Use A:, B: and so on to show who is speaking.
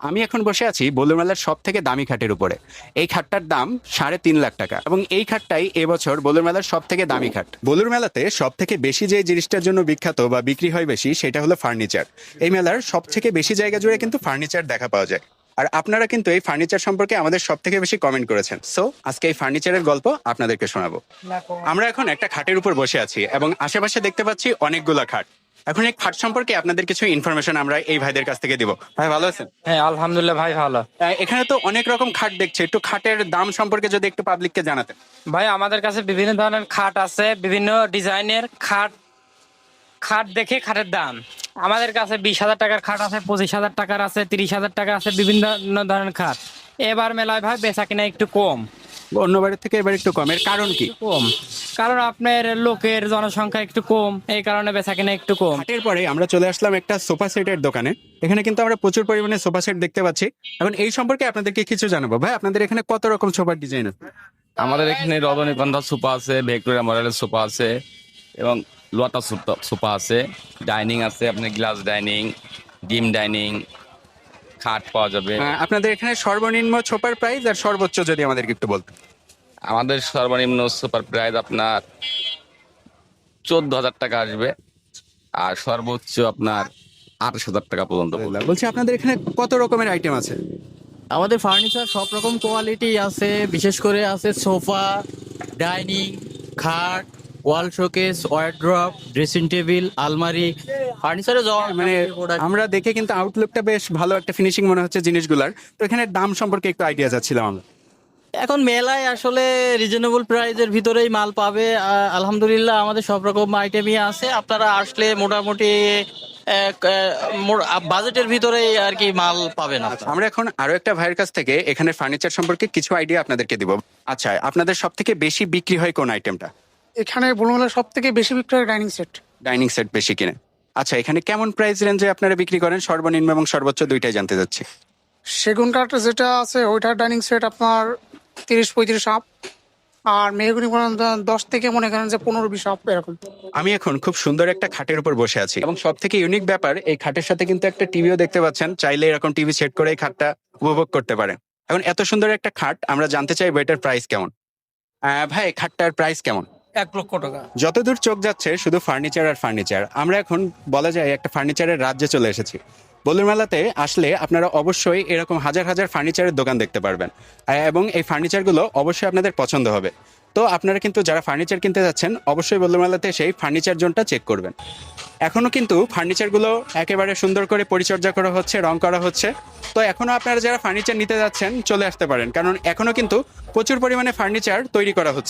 A: আমি এখন বসে আছি বলুর মেলার সব থেকে দামি খাটের উপরে। এই খাটটার দাম 3.5 লাখ টাকা এবং এই খাটটাই এবছর বলুর মেলার সব থেকে দামি খাট। বলুর মেলাতে সব থেকে বেশি যে জিনিসটার জন্য বিখ্যাত বা বিক্রি হয় বেশি সেটা হলো ফার্নিচার। এই মেলার সব থেকে বেশি জায়গা জুড়ে কিন্তু ফার্নিচার দেখা পাওয়া যায়। আর আপনারা কিন্তু এই ফার্নিচার সম্পর্কে আমাদের সব থেকে বেশি কমেন্ট করেছেন, সো আজকে এই ফার্নিচারের গল্প আপনাদেরকে শোনাবো। আমরা এখন একটা খাটের উপর বসে আছি এবং আশেপাশে দেখতে পাচ্ছি অনেকগুলা খাট। এখন এই খাট সম্পর্কে আপনাদের কিছু ইনফরমেশন আমরা এই ভাইদের কাছ থেকে দিব। ভাই ভালো আছেন?
B: হ্যাঁ, আলহামদুলিল্লাহ ভাই, ভালো।
A: এখানে তো অনেক রকম খাট দেখছি, একটু খাটের দাম সম্পর্কে যদি একটু পাবলিককে জানাতেন।
B: ভাই, আমাদের কাছে বিভিন্ন ধরনের খাট আছে, বিভিন্ন ডিজাইনের খাট। খাট দেখে খাটের দাম আমাদের কাছে 20,000 টাকার খাট আছে, 25,000 টাকার আছে, 30,000 টাকা আছে, বিভিন্ন ধরনের খাট। এবার মেলায় ভাই বেচা কিনা একটু কম।
A: অন্য বাড়ির থেকে এবার একটু কমের কারণ কি?
B: কম কারণ আপনার লোকের জনসংখ্যা একটু কম, এই কারণে বেচা কিনা একটু কম।
A: খাটের পরে আমরা চলে আসলাম একটা সোফা সেটের দোকানে। এখানে কিন্তু আমরা প্রচুর পরিমাণে সোফা সেট দেখতে পাচ্ছি। এখন এই সম্পর্কে আপনাদেরকে কিছু জানাবো। ভাই, আপনাদের এখানে কত রকম সোফার ডিজাইন আছে?
C: আমাদের এখানে রজনীগন্ধা সোফা আছে, ভিক্টোরিয়া মডেলের সোফা আছে এবং লোটা সোফা আছে, ডাইনিং আছে, আপনার গ্লাস ডাইনিং, ডিম ডাইনিং, খাট পাওয়া যাবে।
A: আপনাদের এখানে সর্বনিম্ন সোফার প্রাইস আর সর্বোচ্চ যদি আমাদেরকে একটু বলতেন।
C: আমাদের সর্বনিম্ন সুপার প্রাইস আপনার 14,000 টাকা আসবে আর সর্বোচ্চ আপনার 28,000 টাকা পর্যন্ত পড়বে।
A: বলছি আপনাদের এখানে কত রকমের আইটেম আছে?
D: আমাদের ফার্নিচার সব রকম কোয়ালিটি আছে, বিশেষ করে আছে সোফা, ডাইনিং, খাট, wall showcase, wardrobe, dressing table, আলমারি, ফার্নিচারে
A: মানে আমরা দেখে কিন্তু আউটলুকটা বেশ ভালো একটা ফিনিশিং মনে হচ্ছে জিনিসগুলার। তো এখানে দাম সম্পর্কে একটু আইডিয়া চাচ্ছিলাম আমরা।
D: এখন মেলায় আসলে রিজনেবল প্রাইজের ভিতরেই মাল পাবে। আলহামদুলিল্লাহ আমাদের সব রকম আইটেমই আছে, আপনারা আসলে মোটামুটি বাজেটের ভিতরেই আর কি মাল পাবেন আপনারা।
A: আমরা এখন আরো একটা ভাইয়ের কাছ থেকে এখানে ফার্নিচার সম্পর্কে কিছু আইডিয়া আপনাদেরকে দিব। আচ্ছা, আপনাদের সব থেকে বেশি বিক্রি হয় কোন আইটেমটা?
E: এখানে বলুন সব থেকে বেশি বিক্রি হয় ডাইনিং সেট।
A: ডাইনিং সেট বেশি কিনে। আচ্ছা, এখানে কেমন প্রাইস রেঞ্জে আপনারা বিক্রি করেন? সর্বনিম্ন এবং সর্বোচ্চ দুইটাই জানতে যাচ্ছি।
E: সেগুন কাঠ যেটা আছে ওইটার ডাইনিং সেট আপনার 30-35 আপ, আর মেহগুনি 10 থেকে মনে করেন যে 15-20 আপ এরকম।
A: আমি এখন খুব সুন্দর একটা খাটের উপর বসে আছি এবং সব থেকে ইউনিক ব্যাপার, এই খাটের সাথে কিন্তু একটা টিভিও দেখতে পাচ্ছেন। চাইলে এরকম টিভি সেট করে এই খাটটা উপভোগ করতে পারেন। এখন এত সুন্দর একটা খাট, আমরা জানতে চাই এটার প্রাইস কেমন। ভাই, খাটটার প্রাইস কেমন?
B: 1,00,000 টাকা।
A: যতদূর চোখ যাচ্ছে শুধু ফার্নিচার আর ফার্নিচার। আমরা এখন বলা যায় একটা ফার্নিচারের রাজ্যে চলে এসেছি। বলুর মেলাতে আসলে আপনারা অবশ্যই এরকম হাজার হাজার ফার্নিচারের দোকান দেখতে পারবেন এবং এই ফার্নিচারগুলো অবশ্যই আপনাদের পছন্দ হবে। তো আপনারা কিন্তু যারা ফার্নিচার কিনতে যাচ্ছেন অবশ্যই বলুর মেলাতে সেই ফার্নিচার জোনটা চেক করবেন। এখনো কিন্তু ফার্নিচারগুলো একেবারে সুন্দর করে পরিচর্যা করা হচ্ছে, রং করা হচ্ছে। তো এখনো আপনারা যারা ফার্নিচার নিতে যাচ্ছেন চলে আসতে পারেন, কারণ এখনো কিন্তু প্রচুর পরিমাণে ফার্নিচার তৈরি করা হচ্ছে।